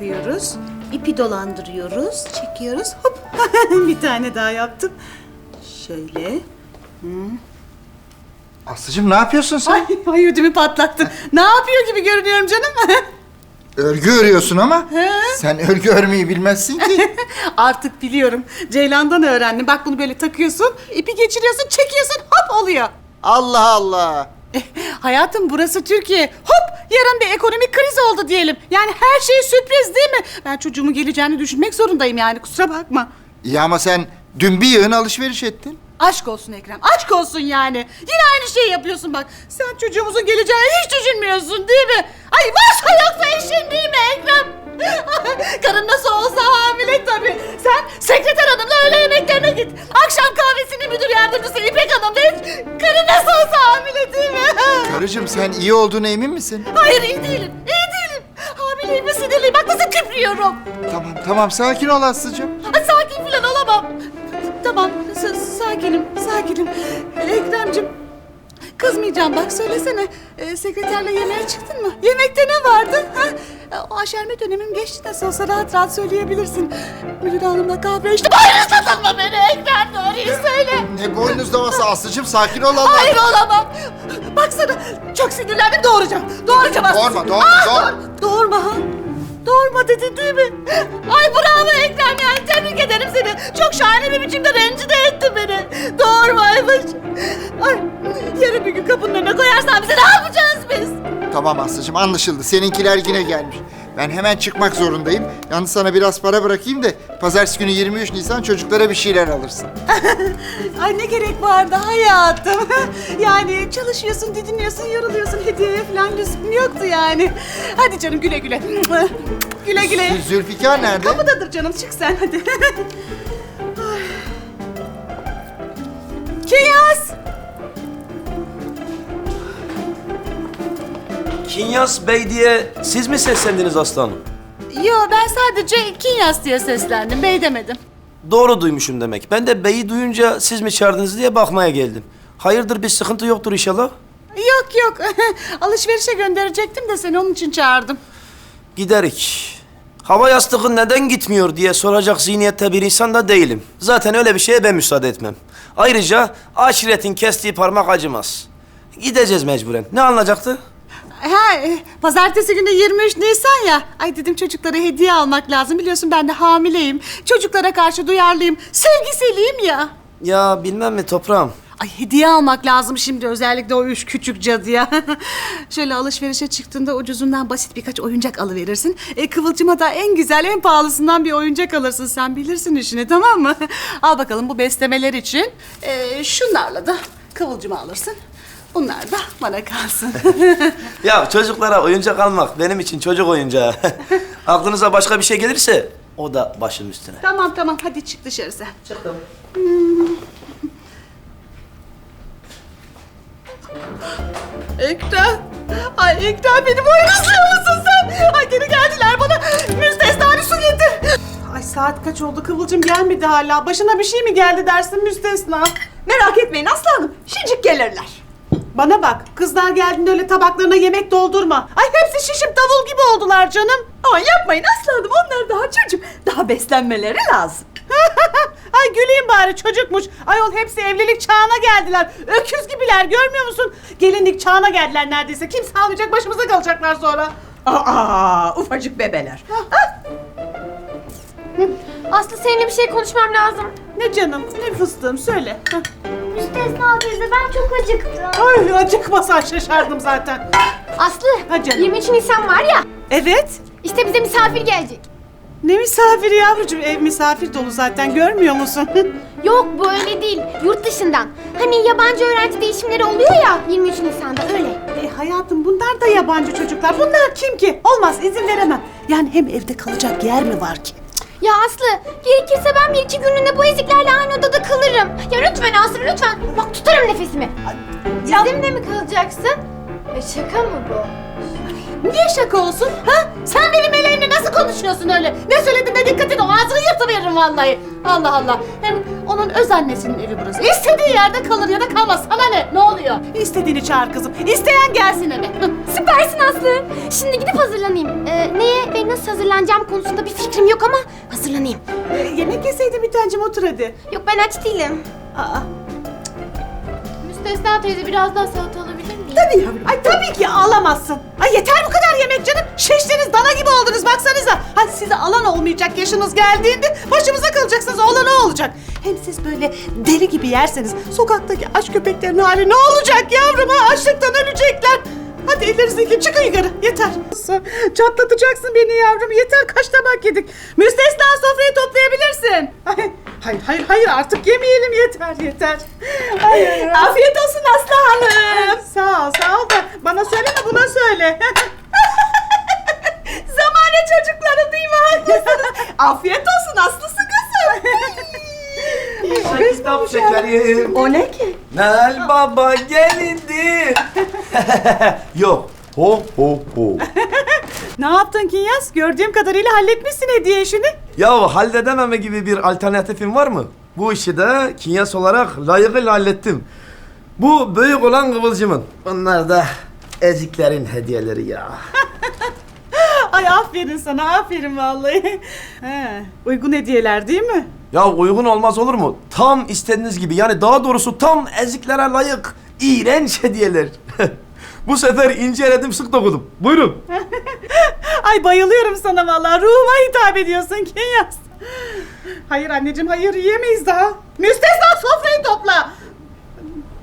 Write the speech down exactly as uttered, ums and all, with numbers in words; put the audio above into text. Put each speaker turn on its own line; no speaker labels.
takıyoruz. İpi dolandırıyoruz, çekiyoruz. Hop. Bir tane daha yaptım. Şöyle.
Aslıcığım ne yapıyorsun sen?
Ay, ay ödümü patlattın. Ne yapıyor gibi görünüyorum canım?
Örgü örüyorsun ama
He?
sen örgü örmeyi bilmezsin ki.
Artık biliyorum. Ceylan'dan öğrendim. Bak bunu böyle takıyorsun, ipi geçiriyorsun, çekiyorsun, hop oluyor.
Allah Allah.
Eh, hayatım burası Türkiye. Hop yarın bir ekonomik kriz oldu diyelim. Yani her şey sürpriz değil mi? Ben çocuğumun geleceğini düşünmek zorundayım yani kusura bakma.
İyi ama sen dün bir yığın alışveriş ettin.
Aşk olsun Ekrem, aşk olsun yani. Yine aynı şeyi yapıyorsun bak. Sen çocuğumuzun geleceğini hiç düşünmüyorsun değil mi? Ay varsa yoksa işin değil mi Ekrem? Karın nasıl olsa hamile tabii. Sen sekreter hanımla öğle yemeklerine git. Akşam kahvesini müdür yardımcısı İpek Hanım değil. Karın nasıl olsa hamile değil mi?
Karıcığım sen iyi olduğuna emin misin?
Hayır iyi değilim, iyi değilim. Hamileyim ve sinirliyim. Bak nasıl küprüyorum.
Tamam tamam sakin ol Aslıcığım.
Ay, sakin falan olamam. Tamam, s- sakinim, sakinim. Ekrem'cim, kızmayacağım bak söylesene. Ee, sekreterle yemeğe çıktın mı? Yemekte ne vardı? Ha? O aşerme dönemim geçti nasıl olsa rahat rahat söyleyebilirsin. Müdür hanımla kahve içtim. Hayır satılma beni Ekrem, doğruyu söyle.
Ne boynuz davası Aslıcığım sakin ol Allah.
Hayır olamam. Baksana çok sinirlendim doğuracağım. Doğuracağım aslında.
Doğurma, doğurma,
Aa,
doğurma.
doğur- Doğurma ha. Doğurma dedin değil mi? Ay bravo Ekrem yani tebrik ederim seni. Çok şahane bir biçimde rencide ettin beni. Doğurmaymış. Ay yarın bir gün kapının önüne koyarsan bize ne yapacağız biz?
Tamam Aslıcığım anlaşıldı. Seninkiler yine gelmiş. Ben hemen çıkmak zorundayım. Yalnız sana biraz para bırakayım da pazartesi günü yirmi üç Nisan çocuklara bir şeyler alırsın.
Ay ne gerek vardı hayatım. Yani çalışıyorsun, didiniyorsun, yoruluyorsun. Hediyeye falan lüzum yoktu yani. Hadi canım güle güle. Güle güle.
Zülfikar nerede?
Kapıdadır canım çık sen hadi. Ay. Kinyas.
Kinyas Bey diye siz mi seslendiniz aslanım?
Yo ben sadece Kinyas diye seslendim. Bey demedim.
Doğru duymuşum demek. Ben de beyi duyunca siz mi çağırdınız diye bakmaya geldim. Hayırdır bir sıkıntı yoktur inşallah?
Yok yok. Alışverişe gönderecektim de seni onun için çağırdım.
Giderik. Hava yastığı neden gitmiyor diye soracak zihniyette bir insan da değilim. Zaten öyle bir şeye ben müsaade etmem. Ayrıca aşiretin kestiği parmak acımaz. Gideceğiz mecburen. Ne alınacaktı?
Ha, e, pazartesi günü yirmi üç Nisan ya. Ay dedim çocuklara hediye almak lazım. Biliyorsun ben de hamileyim. Çocuklara karşı duyarlıyım. Sevgiseliyim ya.
Ya bilmem mi toprağım.
Ay hediye almak lazım şimdi özellikle o üç küçük cadıya. Şöyle alışverişe çıktığında ucuzundan basit birkaç oyuncak alıverirsin. E, Kıvılcım'a da en güzel en pahalısından bir oyuncak alırsın. Sen bilirsin işini tamam mı? Al bakalım bu beslemeler için. E, şunlarla da Kıvılcım'a alırsın. Bunlar da bana kalsın.
Ya çocuklara oyuncak almak benim için çocuk oyuncağı. Aklınıza başka bir şey gelirse o da başım üstüne.
Tamam tamam hadi çık dışarı sen.
Çıktım.
Ekrem. Ay Ekrem beni boynuzluyor musun sen? Ay geri geldiler bana. Müstesna su getir. Ay saat kaç oldu Kıvılcım gelmedi hala. Başına bir şey mi geldi dersin Müstesna?
Merak etmeyin Aslı Hanım, şicik gelirler.
Bana bak kızlar geldiğinde öyle tabaklarına yemek doldurma. Ay hepsi şişip davul gibi oldular canım.
Ama yapmayın Aslı Hanım, onlar daha çocuk. Daha beslenmeleri lazım.
Ay güleyim bari çocukmuş. Ayol hepsi evlilik çağına geldiler. Öküz gibiler görmüyor musun? Gelinlik çağına geldiler neredeyse. Kimse almayacak başımıza kalacaklar sonra.
Aa, ufacık bebeler.
Aslı seninle bir şey konuşmam lazım.
Ne canım ne fıstığım söyle. Hah.
Müstesna teyze ben çok acıktım.
Ay acıkmasan şaşardım zaten.
Aslı
Ha canım.
yirmi üç Nisan var ya,
Evet.
işte bize misafir gelecek.
Ne misafiri yavrucuğum? Ev misafir dolu zaten görmüyor musun?
Yok bu öyle değil, yurt dışından. Hani yabancı öğrenci değişimleri oluyor ya yirmi üç Nisan'da öyle.
e, hayatım bunlar da yabancı çocuklar. Bunlar kim ki? Olmaz izin veremem. Yani hem evde kalacak yer mi var ki?
Ya Aslı gerekirse ben bir iki günlüğüne bu eziklerle aynı odada kalırım. Ya lütfen Aslı lütfen, bak tutarım nefesimi. Bizimle mi kalacaksın? E, şaka mı bu?
Niye şaka olsun? Ha? Sen benim eleğimle nasıl konuşuyorsun öyle? Ne söyledin de dikkatin o ağzını yırtıveririm vallahi. Allah Allah. Hem Onun öz annesinin evi burası. İstediği yerde kalır ya da kalmaz. Sana ne? Ne oluyor? İstediğini çağır kızım. İsteyen gelsin eve.
Süpersin Aslı. Şimdi gidip hazırlanayım. Ee, neye ve nasıl hazırlanacağım konusunda bir fikrim yok ama hazırlanayım.
Ee, yemek yeseydin bir tancım, otur hadi.
Yok ben aç değilim.
Aa,
Müstesna teyze biraz daha salata alabilir miyim?
tabii yavrum. Ay tabii ki alamazsın. Ay yeter bu kadar yemek canım. Şiştiniz, dana gibi oldunuz baksanıza. Ay size alan olmayacak yaşınız geldiğinde başımıza kalacaksınız. Oğlan o olacak. Hem siz böyle deli gibi yerseniz sokaktaki aç köpeklerin hali ne olacak yavrum ha? Açlıktan ölecekler. Hadi ellerinizdeki çıkın yukarı. Yeter. Çatlatacaksın beni yavrum. Yeter, kaç tabak yedik. Müstesna, sofrayı toplayabilirsin. Ay, hayır hayır hayır artık yemeyelim, yeter yeter. Ay, ay, ay.
Afiyet olsun Aslı Hanım.
Sağ ol sağ ol da bana söyleme, buna söyle.
Zamane çocukları değil mi? Haklısınız. Afiyet olsun Aslısı kızım.
Kitap şekerim.
O ne ki?
Nel Baba gelindi. Yok. Ho ho ho.
Ne yaptın Kinyas? Gördüğüm kadarıyla halletmişsin hediye işini.
Ya halledememe gibi bir alternatifin var mı? Bu işi de kinyas olarak layıkıyla hallettim. Bu büyük olan Kıvılcım'ın. Bunlar da eziklerin hediyeleri ya.
Ay aferin sana, aferin vallahi. He, uygun hediyeler değil mi?
Ya uygun olmaz olur mu? Tam istediğiniz gibi, yani daha doğrusu tam eziklere layık iğrenç hediyeler. Bu sefer inceledim, sık dokudum. Buyurun.
Ay bayılıyorum sana vallahi. Ruhuma hitap ediyorsun Kinyas. Hayır anneciğim, hayır, yiyemeyiz daha. Müstesna, sofrayı topla.